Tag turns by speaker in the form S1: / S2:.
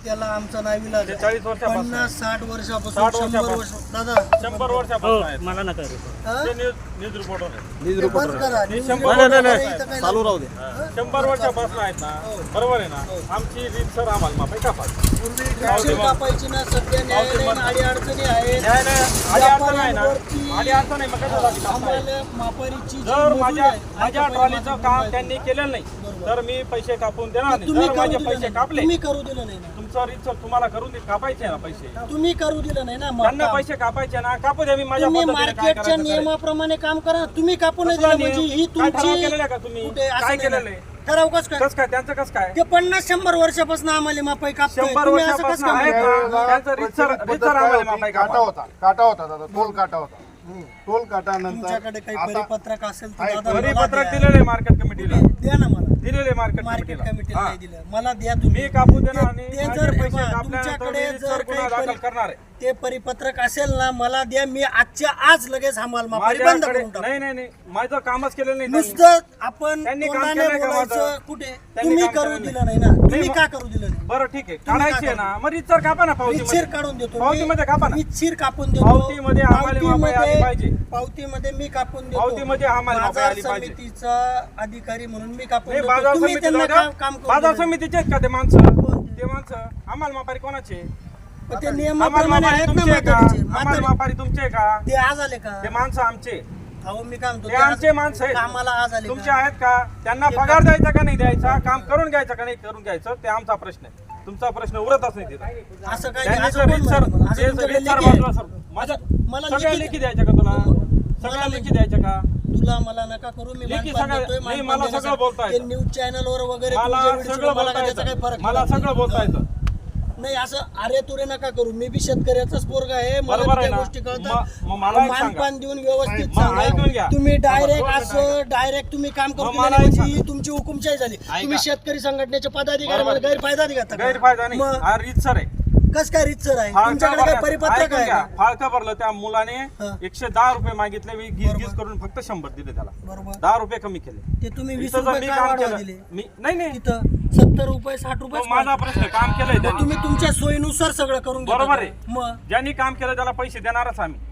S1: त्याला आमचा नाविलाज आहे.
S2: 40 वर्षापासून
S1: 50-60 वर्षापासून
S2: 60
S1: 100 वर्ष दादा
S2: 100 वर्षापासून आहेत.
S3: मला नका
S1: हा?
S2: ते न्यूज रिपोर्टर आहे.
S1: ते बंद करा.
S2: ते
S1: न्यूज
S2: 100
S1: रिपोर्टर
S3: नाही,
S1: इथं काही
S3: चालू राहू दे.
S2: 100 वर्षापासून आहेत ना. बरोबर आहे ना. आमची रीत सर आम्हाला माफी कापा.
S1: पूर्वी ट्रॅक्टर कापायची ना, सध्या न्यायालयीन अडीअडचणी आहेत.
S2: नाही नाही आधी अडचण आहे ना. आधी अडचण नाही मग कसं झाली काम नाही.
S1: आम्हाला मापारीची जी
S2: जर
S1: मजुरी आहे,
S2: माझ्या ट्रॉलीचं काम त्यांनी केलेलं नाही तर मी पैसे कापून देणार नाही.
S1: तुम्ही
S2: जर
S1: करू
S2: माझे
S1: दिलं
S2: पैसे
S1: नाही.
S2: कापले
S1: तुम्ही करू दिलं नाही ना.
S2: तुमचं रीत सर तुम्हाला करून कापायचे ना पैसे.
S1: तुम्ही करू दिलं नाही ना. मग
S2: त्यांना
S1: काम.
S2: पैसे कापायचे ना कापू द्या. मी माझ्या
S1: तुम्ही
S2: पद्धतीने काय
S1: मार्केटच्या
S2: करायचं ते.
S1: नियमाप्रमाणे काम करा. तुम्ही कापू नाही
S2: कसला
S1: दिलं म्हणजे
S2: नियम?
S1: ही
S2: काय ठराव
S1: तुमची
S2: केलेलं आहे का तुम्ही?
S1: कुठे असं
S2: काय
S1: नाही
S2: केलेलं
S1: ना.
S2: आहे?
S1: ठराव कसं काय?
S2: कसं काय त्यांचं कसं काय
S1: ते 50-100 वर्षापासून आम्हाला मापाई कापतोय.
S2: 100
S1: तुम्ही असं कसं
S2: वर्षापासून
S1: काम
S2: आहेत
S1: करता?
S2: ना. त्यांचं रीतसर आम्हाला माफी
S4: काटा
S2: कापा.
S4: होता दादा, टोल काटा होता. टोल काटा नंतर
S1: तुमच्याकडे काही
S4: आता
S1: परिपत्रक असेल तर
S4: आहे,
S1: दादा मला
S2: परिपत्रक
S1: द्या.
S2: दिलेलं आहे मार्केट कमिटीला.
S1: द्या ना मला.
S2: दिलेले मार्केट
S1: मार्केट
S2: कमिटीला.
S1: कमिटीला
S2: हा.
S1: नाही दिलं. मला द्या तुम्ही.
S2: मी कापू देणार आणि
S1: ते
S2: माझे
S1: जर
S2: पैसे
S1: बघा,
S2: कापल्यानंतर
S1: तुमच्याकडे
S2: मी
S1: जर
S2: रीतसर गुन्हा
S1: काही
S2: दाखल करणार आहे.
S1: ते परिपत्रक असेल ना मला द्या. मी आजच्या आज लगेच हमाल मापारी बंद
S2: माझ्याकडे
S1: करून टाकू.
S2: नाही माझं कामच केलेलं नाही त्यांनी.
S1: नुसतं आपण
S2: त्यांनी काम
S1: तोंडाने
S2: केलंय का
S1: बोलायचं.
S2: माझं?
S1: कुठे
S2: त्यांनी
S1: तुम्ही
S2: काम
S1: करू
S2: केलं
S1: दिलं नाही ना. तुम्ही
S2: मग-
S1: का करू दिलं नाही?
S2: बरं ठीक आहे
S1: तुम्ही
S2: काढायची आहे
S1: काय
S2: ना मग रीतसर कापा ना
S1: रीतशीर
S2: पावतीमध्ये.
S1: काढून देतो.
S2: पावतीमध्ये कापा ना.
S1: रीतशीर कापून देतो.
S2: पावतीमध्ये आम्हाला मापाई आली पाहिजे.
S1: पावतीमध्ये मी कापून देतो.
S2: पावतीमध्ये आम्हाला मापाई
S1: बाजार
S2: आली पाहिजे.
S1: समितीचा अधिकारी म्हणून मी कापून
S2: नाही
S1: देतो.
S2: बाजार
S1: तुम्ही
S2: समिती
S1: त्यांना
S2: जाऊ द्या.
S1: काम करून
S2: बाजार
S1: दिलं नाही.
S2: समितीचे आहेत का ते माणसं? ते माणसं आम्हाला मापारी कोणाचे?
S1: पण ते
S2: आम्हाला
S1: नियमाप्रमाणे
S2: मापारी
S1: आहेत ना
S2: तुमचे आहे का?
S1: म्हातारीचे.
S2: आम्हाला
S1: म्हातारी-
S2: मापारी तुमचे आहे का?
S1: ते आज आले का?
S2: ते माणसं आमचे.
S1: अहो मी काय म्हणतो
S2: ते आमचे माणसं आहेत.
S1: आम्हाला आज आले
S2: तुमचे
S1: का?
S2: आहेत का? त्यांना
S1: ते
S2: पगार द्यायचा का नाही द्यायचा? काम करून घ्यायचं का नाही करून घ्यायचं? ते आमचा प्रश्न आहे. तुमचा प्रश्न उरतच नाही तिथं.
S1: असं काय
S2: त्यांनी
S1: असं
S2: सर
S1: कोण
S2: रीतसर
S1: म्हणतं? असं तुमच्याकडे
S2: रीतसर
S1: लेखी आहे?
S2: बाजूला सर. माझ्या
S1: मला
S2: सगळ्या
S1: लेखी
S2: लेखी द्यायच्या का तुला? सगळ्या
S1: मला
S2: लेखी द्यायच्या का?
S1: तुला मला नका करू. मी
S2: लेखी
S1: मानपान
S2: सगळं-
S1: देतोय.
S2: नाही,
S1: मानपान
S2: मला
S1: देण्यासाठी.
S2: सगळं बोलता
S1: ते
S2: येतं.
S1: न्यूज चॅनलवर वगैरे
S2: मला
S1: तुमच्या व्हिडिओ
S2: सगळं
S1: मला
S2: बोलता
S1: काय त्याचा काही
S2: येतं.
S1: फरक
S2: मला
S1: पडत
S2: सगळं
S1: नाही.
S2: बोलता येतं.
S1: नाही असं अरे तुरे नका करू. मी बी शेतकऱ्याचाच पोरगा आहे. मला
S2: बरोबर
S1: बी
S2: आहे
S1: त्या
S2: ना.
S1: गोष्टी कळतात.
S2: मग मला एक सांगा.
S1: मानपान देऊन व्यवस्थित
S2: मग ऐकून
S1: सांगा.
S2: घ्या.
S1: तुम्ही डायरेक्ट
S2: मग
S1: असं डायरेक्ट तुम्ही काम करून
S2: मला
S1: दिलं
S2: एक
S1: म्हणजे ही तुमची हुकुमशाही झाली. तुम्ही शेतकरी संघटनेचे पदाधिकारी
S2: बरोबर.
S1: गैरफायदा घेता का?
S2: गैरफायदा नाही
S1: मग
S2: हा रीतसर आहे.
S1: कस काय रीतसर आहे?
S2: फाळका
S1: तुमच्याकडे काय
S2: भरला-
S1: परिपत्रक
S2: ऐकून
S1: आहे
S2: घ्या.
S1: का?
S2: फाळका भरलं त्या मुलाने
S1: हा.
S2: 110 रुपये मागितले. मी गीज
S1: बरोबर.
S2: करून फक्त 100 दिले त्याला.
S1: बरोबर.
S2: 10 रुपये कमी केले.
S1: ते तुम्ही 20
S2: इथं जर
S1: रुपये
S2: मी
S1: काय
S2: काम
S1: वाढवा
S2: केलं
S1: दिले?
S2: मी नाही
S1: तिथं 70 रुपये 60 रुपये
S2: तो माझा प्रश्न काम केलंय त्यांनी.
S1: तुम्ही तुमच्या सोयीनुसार सगळं करून घेता
S2: बरोबर
S1: का?
S2: आहे.
S1: मग
S2: ज्यांनी काम केलं त्याला पैसे देणारच आम्ही.